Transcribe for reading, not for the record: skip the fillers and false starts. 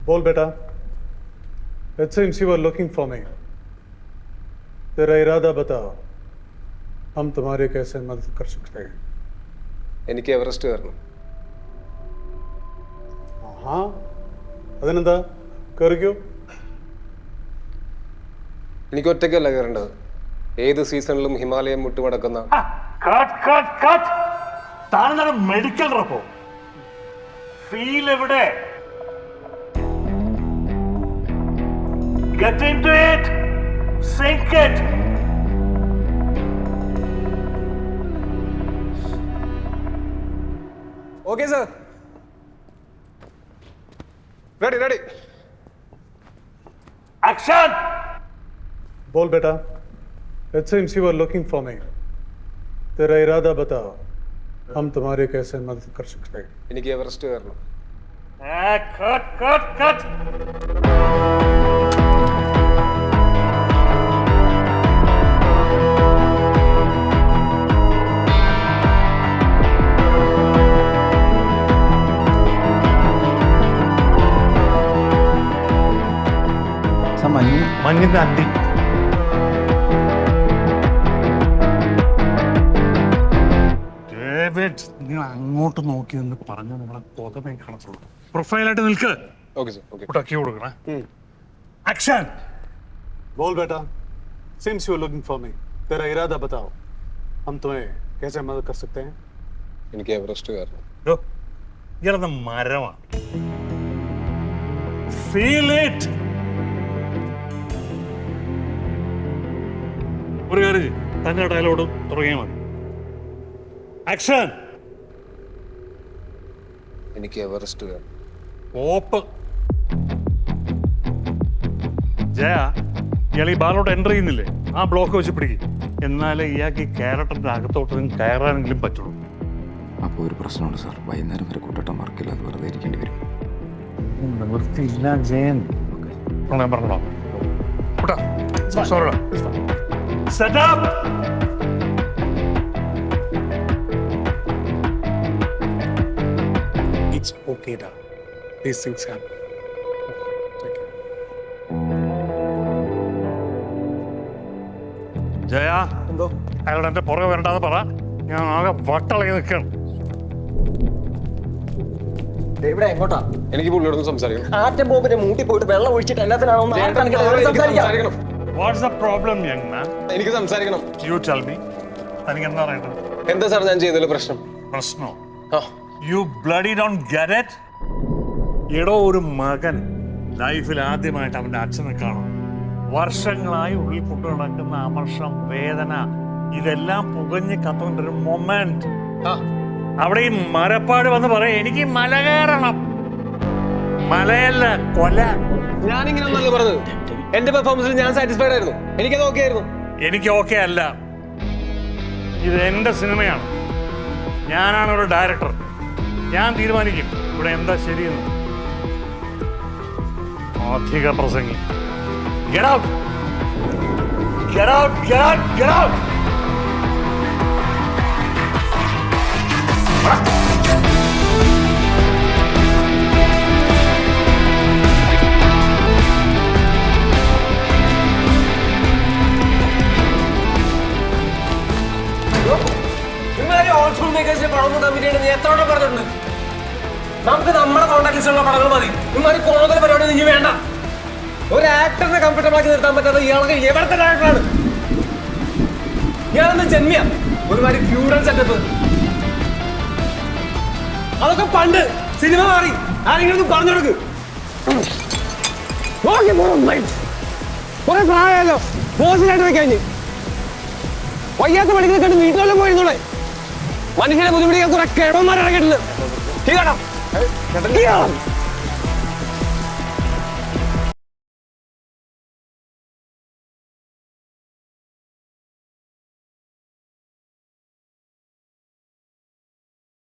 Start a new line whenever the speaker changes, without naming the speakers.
बोल बेटा. It seems you are looking for me. तेरा इरादा बताओ. हम तुम्हारे कैसे मदद कर सकते हैं?
എനിക്ക് എവറസ്റ്റ് കയറണം.
हाँ. അതിനെന്താ? കയറിക്കോ.
എനിക്ക് ഒറ്റയ്ക്കല്ല കയറേണ്ടത്. ഏത് സീസണിലും ഹിമാലയം മുട്ടുമടക്കുന്ന
മെഡിക്കൽ റപ്പോ ഫീൽ എവിടെ? Get into it. Sink it.
Okay, sir. Ready.
Action.
बोल बेटा. It seems you are looking for me. तेरा इरादा बताओ. हम तुम्हारे कैसे मदद कर सकते हैं?
എനിക്ക് എവറസ്റ്റ് കയറണം.
Cut. മഞ്ഞിന്റെ അണ്ടി. ഡേവിഡ്, നിങ്ങൾ അങ്ങോട്ട് നോക്കി എന്ന് പറഞ്ഞ നമ്മളെ കൊതമേ കാണത്തുള്ളൂ. പ്രൊഫൈലായിട്ട് നിൽക്ക്.
Okay sir. ഓക്കെ.
ഉടക്കി കൊടുക്കണേ. ആക്ഷൻ.
बोल बेटा. Seems you are looking for me. तेरा इरादा बताओ. हम तुम्हें कैसे मदद कर सकते हैं?
എനിക്ക് എവറസ്റ്റ് കയറണം.
ഇയാളെന്ന മരമാണ്. Feel it. ഒരു കാര്യം തന്നെ ഡയലോഗ് തുടങ്ങിയാൽ മതി. ആക്ഷൻ.
എനിക്ക് എവറസ്റ്റ് കയറണം.
ഓപ്പ്. ജയ, ഇയാൾ ഈ ബാലോട്ട് എൻ്റർ ചെയ്യുന്നില്ലേ? ആ ബ്ലോക്ക് വെച്ച് പിടിക്കും. എന്നാലേ ഇയാൾക്ക് ഈ ക്യാരക്ടറിന്റെ അകത്തോട്ട് കയറാനെങ്കിലും പറ്റുള്ളൂ.
അപ്പോൾ ഒരു പ്രശ്നമുണ്ട് സാർ. വൈകുന്നേരം വരെ കൂട്ടട്ടം വർക്കില്ല, അത് വെറുതെ ഇരിക്കേണ്ടി വരും.
നിവൃത്തിയില്ല ജയൻ. ഞാൻ പറഞ്ഞോ സോറിടാ. Set up!
It's okay, da. These things happen.
Jaya, എന്തോ അയാളോട് എന്റെ പുറകെ വരണ്ടാന്ന് പറ. ഞാൻ ആകെ വട്ടളകി നിൽക്കണം.
ഇവിടെ എങ്ങോട്ടാ?
എനിക്ക് പുള്ളിയോടൊന്ന് സംസാരിക്കണം.
ആറ്റം ബോംബിന്റെ മൂട്ടി പോയിട്ട് വെള്ളം ഒഴിച്ചിട്ട് എല്ലാത്തിനാണോ?
സംസാരിക്കണം.
What's the problem, young man?
എനിക്ക് സംസാരിക്കണം.
You tell me. തനിക്ക് എന്താ പറയണ്ടത്?
എന്താ സാർ ഞാൻ ചെയ്തതിൽ പ്രശ്നം?
പ്രശ്നോ? You bloody don't get it? എടോ, ഒരു മകൻ ലൈഫിൽ ആദ്യമായിട്ട് അവന്റെ അച്ഛനെ കാണും. വർഷങ്ങളായി ഉള്ളിൽ കൊണ്ടു നടക്കുന്ന അമർഷം, വേദന, ഇതെല്ലാം പുകഞ്ഞ് കത്തുന്ന ഒരു മൊമെന്റ്. അവിടെ ഈ മരപ്പാട് വന്ന് പറയാം, എനിക്ക് മല കയറണം. മലയല്ല, കൊല.
ഞാനിങ്ങനെ ഒന്നല്ല പറഞ്ഞത്. എന്റെ പെർഫോമൻസിൽ ഞാൻ സാറ്റിസ്ഫൈഡ് ആയിരുന്നു. എനിക്കത് ഓക്കെ ആയിരുന്നു.
എനിക്ക് ഓക്കെ അല്ല. ഇത് എന്റെ സിനിമയാണ്. ഞാനാണ് ഒരു ഡയറക്ടർ. ഞാൻ തീരുമാനിക്കും ഇവിടെ എന്താ ശരിയെന്ന്. അധിക പ്രസംഗി. Get out! Get out! Get out! Get out!
എത്രയോടെ പറഞ്ഞിട്ടുണ്ട്. നമുക്ക് നമ്മുടെ കോൺടാക്ട് ലിസ്റ്റിലുള്ള പടങ്ങൾ മതി. ഇമാതിരി കൂടുതൽ പരിപാടി നിങ്ങൾ വേണ്ട. ഒരു ആക്ടറിനെ കംഫർട്ടബിൾ ആക്കി നിർത്താൻ പറ്റാത്ത ഇയാൾക്ക് എവിടത്തെ ഡയറക്ടറാണ്? ഇയാളെന്ന് ജന്മിയ ഒരുമാതിരി ഫ്യൂഡൽ സെറ്റപ്പ്. അതൊക്കെ പണ്ട്. സിനിമ മാറി. ആരെങ്കിലും പറഞ്ഞു കൊടുക്ക്. കുറെ പ്രായമല്ലോ. ബോസിനായിട്ട് വെക്കാൻ വയ്യാത്ത പണികൾ കണ്ട് വീട്ടിലെല്ലാം പോയിരുന്നോളെ. മനുഷ്യനെ ബുദ്ധിമുട്ടിക്കാൻ കുറെ കിഴവന്മാരിറങ്ങിയിട്ടുണ്ട്.